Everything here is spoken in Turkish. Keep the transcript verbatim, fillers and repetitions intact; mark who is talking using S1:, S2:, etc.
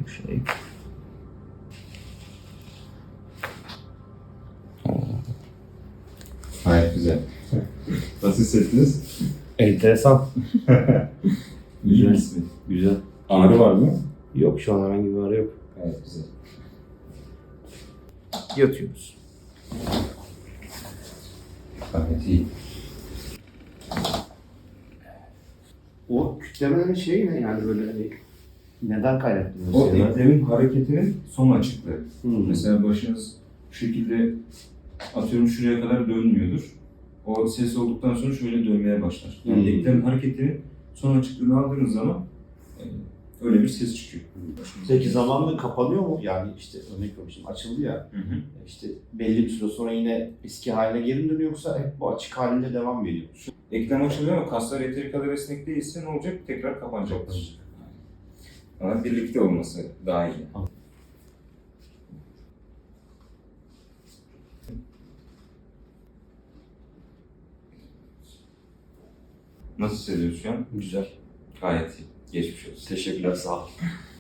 S1: Bakayım şurayı.
S2: Gayet güzel. Nasıl hissettiniz?
S1: Enteresan.
S2: İyi mi?
S1: Güzel.
S2: Ağrı var mı?
S1: Yok, şu an herhangi bir ağrı yok.
S2: Gayet güzel.
S1: Yatıyoruz.
S2: Gayet iyi.
S1: O kütlemenin şeyi ne yani böyle hani neden kaynaklanıyor?
S2: O eklemin hareketinin son açıklığı.
S1: Hmm.
S2: Mesela başınız bu şekilde atıyorum şuraya kadar dönmüyordur. O ses olduktan sonra şöyle dönmeye başlar. Yani
S1: Hmm.
S2: eklemin hareketinin son açıklığını aldığınız zaman e, öyle bir ses çıkıyor.
S3: Peki zamanla kapanıyor mu? Yani işte örnek veriyorum açıldı ya,
S2: Hı hı.
S3: işte belli bir süre sonra yine eski haline geri mi dönüyor yoksa hep bu açık halinde devam mı ediyor?
S2: Eklem açılıyor ama kaslar yeteri kadar esnek değilse ne olacak? Tekrar kapanacaktır. Ama birlikte olması daha iyi. Nasıl hissediyorsun şu an?
S3: Güzel.
S2: Gayet iyi. Geçmiş olsun.
S3: Teşekkürler, sağ ol.